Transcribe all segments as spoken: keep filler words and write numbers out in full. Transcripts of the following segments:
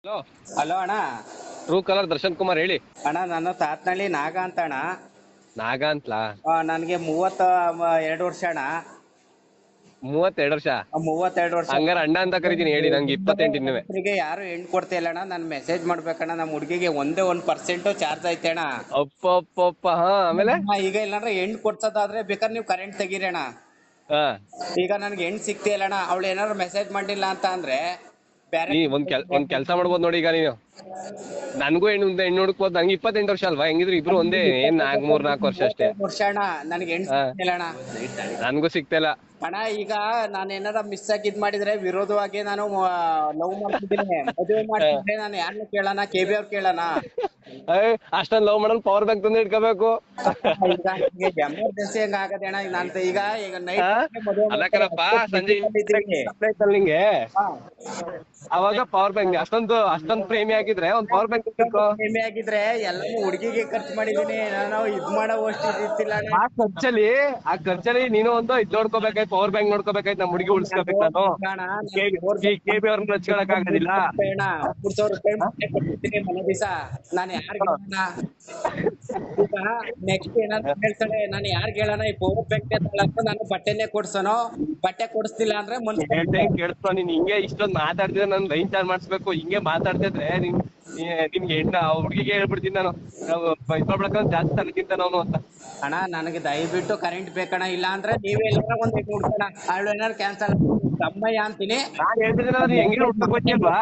Hello. Hello ಅಣ್ಣ. True colour Darshan Kumar ಹೇಳಿ. ಅಣ್ಣ ನಾನು ತಾತ್ನಳ್ಳಿ ನಾಗ ಅಂತ ಅಣ್ಣ. ನಾಗ ಅಂತಲಾ? ನನಗೆ ಮೂವತ್ತ ಎರಡು ವರ್ಷ ಅಣ್ಣ. ಮೂವತ್ತೆರಡು ವರ್ಷ? ಆ, ಮೂವತ್ತೆರಡು ವರ್ಷ. ಹಂಗಾರ ಅಣ್ಣ ಅಂತ ಕರಿತೀನಿ ಹೇಳಿ, ನಂಗೆ ಇಪ್ಪತ್ತೆಂಟು ಇನ್ನುವೆ. ರೈತರಿಗೆ ಯಾರು ಹೆಣ್ಣು ಕೊಡ್ತಾ ಇಲ್ಲ ಅಣ್ಣ. ನಾನು ಮೆಸೇಜ್ ಮಾಡ್ಬೇಕಣ್ಣ. ನಮ್ಮ ಹುಡುಗಿಗೆ ಒಂದೇ ಒಂದ್ ಪರ್ಸೆಂಟ್ ಚಾರ್ಜ್ ಐತೆ ಅಣ್ಣ. ಅಪ್ಪ ಅಪ್ಪ ಅಪ್ಪ. ಹಾ, ಆಮೇಲೆ ಅಣ್ಣ, ಈಗ ಇಲ್ಲಾಂದ್ರೆ ಹೆಣ್ಣು ಕೊಡ್ಸೋದಾದ್ರೆ ಬೇಕಾದ್ರೆ ನೀವು ಕರೆಂಟ್ ತೆಗೀರಿ ಅಣ್ಣ. ಹಾ, ಈಗ ನನ್ಗೆ ಹೆಣ್ಣು ಸಿಗ್ತಾ ಇಲ್ಲ ಅಣ್ಣ. ಅವಳು ಏನಾದ್ರು ಮೆಸೇಜ್ ಮಾಡಿಲ್ಲ ಅಂತ ಅಂದ್ರೆ ಬೇರೆ ನೀ ಒಂದ್ ಕೆಲ್ ಒಂದ್ ಕೆಲ್ಸ ಮಾಡ್ಬೋದು ನೋಡಿ. ಈಗ ನೀನು ನನ್ಗೂ ಹೆಣ್ಣು ಹೆಣ್ಣು ಹುಡುಕ್ಬೋದು. ನಂಗೆ ಇಪ್ಪತ್ತೆಂಟು ವರ್ಷ ಅಲ್ವಾ? ಹೆಂಗಿದ್ರು ಇಬ್ರು ಒಂದೇ. ಏನ್ ನಾಲ್ಕ್ ಮೂರ್ ನಾಲ್ಕು ವರ್ಷ ಅಷ್ಟೇ. ವರ್ಷ ಅಣ್ಣ. ನನಗೆ ಹೆಣ್ಣು ಹಾ, ಸಿಗ್ತಾ ಇಲ್ಲ ಅಣ್ಣ. ನನ್ಗೂ ಸಿಗ್ತಿಲ್ಲ ಅಣ್ಣ, ಈಗ ನಾನು ಏನಾರ ಮಿಸ್ ಆಗಿ ಇದ್ ಮಾಡಿದ್ರೆ ವಿರೋಧವಾಗಿ ನಾನು ಲವ್ ಮಾಡ್ತಿದ್ದೀನಿ, ಮದುವೆ ಮಾಡ್ತಿದ್ರೆ ನಾನು ಯಾರನ್ನ ಕೇಳೋಣ? ಕೆ ಬಿ ಅವ್ರು ಕೇಳೋಣ? ಅಷ್ಟೊಂದ್ ಲವ್ ಮಾಡಲ್ ಪವರ್ ಬ್ಯಾಂಕ್ ತಂದು ಇಟ್ಕೋಬೇಕು. ಈಗ ಎಮರ್ಜೆನ್ಸಿ ಹೆಂಗ ಆಗದೆ ಅಣ್ಣ? ಈಗ ನಾನು ಈಗ ಈಗ ನೈಟ್ ಹಾ? ಮದುವೆ ಅಲ್ಲ ಕಣಪ್ಪ, ಸಂಜೆ ನಿಂಗೆ ಅವಾಗ ಪವರ್ ಬ್ಯಾಂಕ್ ಅಷ್ಟೊಂದು ಅಷ್ಟೊಂದ್ ಪ್ರೇಮಿ ಆಗಿದ್ರೆ ಒಂದ್ ಪವರ್ ಬ್ಯಾಂಕ್ ಇಟ್ಕೋ. ಪ್ರೇಮಿ ಆಗಿದ್ರೆ ಎಲ್ಲಾನು ಹುಡುಗಿಗೆ ಖರ್ಚು ಮಾಡಿದೀನಿ ನಾನು. ಇದ್ ಮಾಡೋ ಅಷ್ಟು ಇದ್ದಿಲ್ಲ ಅಣ್ಣ. ಆ ಖರ್ಚಲ್ಲಿ ಆ ಖರ್ಚಲ್ಲಿ ನೀನು ಒಂದು ಇದ್ ನೋಡ್ಕೋಬೇಕಾಯ್ತು, ಪವರ್ ಬ್ಯಾಂಕ್ ನೋಡ್ಕೋಬೇಕಾಯ್ತು. ನಮ್ಮ ಹುಡುಗಿ ಉಳಿಸ್ಕೋಬೇಕು ನಾನು. ಕೆ ಬಿ ಅವ್ರನ್ನ ಹಚ್ಕೊಳಕ್ ಆಗೋದಿಲ್ಲ. ಅಣ್ಣ, ಮೂರ್ ಸಾವಿರ ರೂಪಾಯಿ ಮನೆ ಕೊಟ್ಟಿದ್ದೀನಿ ಮನೆ ದಿವಸ. ನಾನು ಯಾರಿಗೆ ಹೇಳೋಣ? ಈಗ ನೆಕ್ಸ್ಟ್ ಏನಾದ್ರು ಹೇಳ್ತಾಳೆ, ನಾನು ಯಾರಿಗೆ ಹೇಳೋಣ? ಈ ಪವರ್ ಬ್ಯಾಂಕ್ ಅಂತ ನಾನು ಬಟ್ಟೆನೆ ಕೊಡ್ಸೋನು. ಬಟ್ಟೆ ಕೊಡಿಸ್ತಿಲ್ಲ ಅಂದ್ರೆ ಹೇಳ್ದೆ ಕೇಳಿಸ್ಕೊ. ನೀನ್ ಹಿಂಗೆ ಇಷ್ಟೊಂದ್ ಮಾತಾಡ್ತಿದ್ರೆ ನನ್ ಲೈನ್ ಚಾರ್ಜ್ ಮಾಡಿಸ್ಬೇಕು. ಹಿಂಗೆ ಮಾತಾಡ್ತಿದ್ರೆ ನಿನ್ ನಿಮ್ಗೆ ಹೆಣ್ಣ ಹುಡುಗಿಗೆ ಹೇಳ್ಬಿಡ್ತೀನಿ ನಾನು. ಇಸ್ಕೊಳ್ಬೇಕಂತ ಜಾಸ್ತಿ ತನಕಿಂತ ನಾನು ಅಂತ. ಅಣ್ಣ, ನನಗೆ ದಯವಿಟ್ಟು ಕರೆಂಟ್ ಬೇಕಣ್ಣ. ಇಲ್ಲ ಅಂದ್ರೆ ನೀವೇ ಎಲ್ಲಾರ ಒಂದ್ ಹೆಣ್ಣು ಹುಡ್ಕೋಣ. ಅವಳು ಏನಾರು ಕ್ಯಾನ್ಸಲ್ ತಮ್ಮಯ್ಯ ಅಂತೀನಿ. ನಾನ್ ಹೇಳ್ತಿದ್ರೆ ನೀನ್ ಹೆಂಗಿನ ಹುಡ್ಕಕ್ ಗೊತ್ತಿಲ್ವಾ?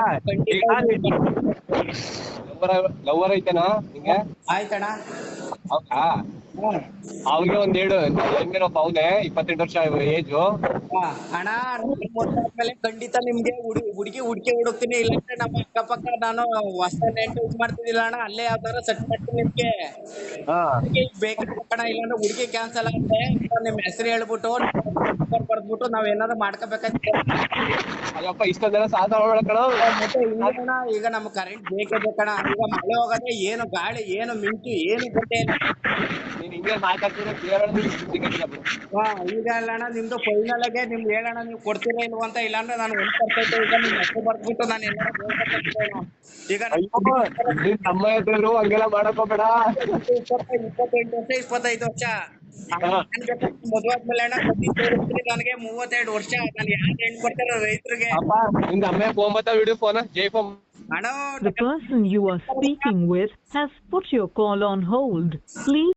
ಲವರ್ ಐತೆನಾ ನಿಂಗೆ? ಆಯ್ತಣ್ಣ. ಹೌದಾ? ಅವ್ನಿಗೆ ಒಂದ್ ಎರಡು ಹೆಂಗೇನಪ್ಪ, ಅವನೇ ಇಪ್ಪತ್ತೆಂಟು ವರ್ಷ ಏಜು. ಹಾ, ಅಣ್ಣ, ಆದ್ಮೇಲೆ ಖಂಡಿತ ನಿಮ್ಗೆ ಹುಡುಗಿ ಹುಡುಗಿ ಹುಡುಕಿ ಹುಡುಕ್ತೀನಿ. ಇಲ್ಲಾಂದ್ರೆ ನಮ್ಮ ಅಕ್ಕಪಕ್ಕ ನಾನು ಹೊಸ ನೆಂಟು ಇದ್ ಮಾಡ್ತಿದ್ದಿಲ್ಲ ಅಣ್ಣ. ಅಲ್ಲೇ ಯಾವ್ದಾರ ಸೆಟ್ ಮಾಡ್ತೀನಿ ನಿಮ್ಗೆ. ಹಾ, ಬೇಕಣ್ಣ. ಇಲ್ಲಾಂದ್ರೆ ಹುಡುಗಿ ಕ್ಯಾನ್ಸಲ್ ಆಗುತ್ತೆ. ನಿಮ್ ಹೆಸರು ಹೇಳ್ಬಿಟ್ಟು ಬರ್ದ್ಬಿಟ್ಟು ನಾವ್ ಏನಾದ್ರು ಮಾಡ್ಕೋಬೇಕಾಯ್ತು. ಅಯ್ಯಪ್ಪ, ಇಷ್ಟೊಂದ್ ಜನ ಸಾಲ ಮಾಡ್ಬೇಕಣ. ಮತ್ತೆ ಇನ್ನೇನ, ಈಗ ನಮ್ಗೆ ಕರೆಂಟ್ ಬೇಕೇ ಬೇಕಣ್ಣ. ಈಗ ಮಳೆ ಹೋಗದೆ, ಏನು ಗಾಳಿ, ಏನು ಮಿಂಚು, ಏನು ಗೊತ್ತೇ ಇಲ್ಲ. ನೀನ್ ಹಿಂಗೆ ಮಾತಾಡ್ತಿದ್ರೆ ಹಾ, ಈಗ ಅಲ್ಲಣ್ಣ, ನಿಮ್ದು ಫೈನಲ್ ಆಗಿ ನಿಮ್ಗೆ ಹೇಳೋಣ, ನೀವು ಕೊಡ್ತೀರಾ ಇಲ್ವ ಅಂತ. ಇಲ್ಲಾಂದ್ರೆ ನಾನು ಒಂದ್ ಪರ್ಸೆಂಟ್ ಈಗ ನಿಮ್ ಹೆಸರು ಬರ್ದ್ಬಿಟ್ಟು ನಾನು ಏನಾದ್ರು ಹೇಳ್ಬೇಕಾಗ್ತದೆ. ಈಗ ನಿನ್ ತಮ್ಮ ಎದ್ರು ಹಂಗೆಲ್ಲ ಮಾಡಕ್ ಹೋಗ್ಬೇಡ. ಇಪ್ಪತ್ತೆಂಟು ವರ್ಷ ಇಪ್ಪತ್ತೈದು ವರ್ಷ ಮದುವೆ ಆದ್ಮೇಲೆ ಅಣ್ಣ ನನಗೆ ಮೂವತ್ತೆರಡು ವರ್ಷ. ನಾನು ಯಾರು ಹೆಣ್ಣು ಕೊಡ್ತಾರ ರೈತರಿಗೆ? ಅಪ್ಪ, ನಿಂದ ಅಮ್ಮ ಫೋನ್ ಬತ್ತ ವಿಡಿಯೋ ಫೋನ್ ಜೈ ಫೋನ್. ಅಣ್ಣ, The person you are speaking with has put your call on hold. Please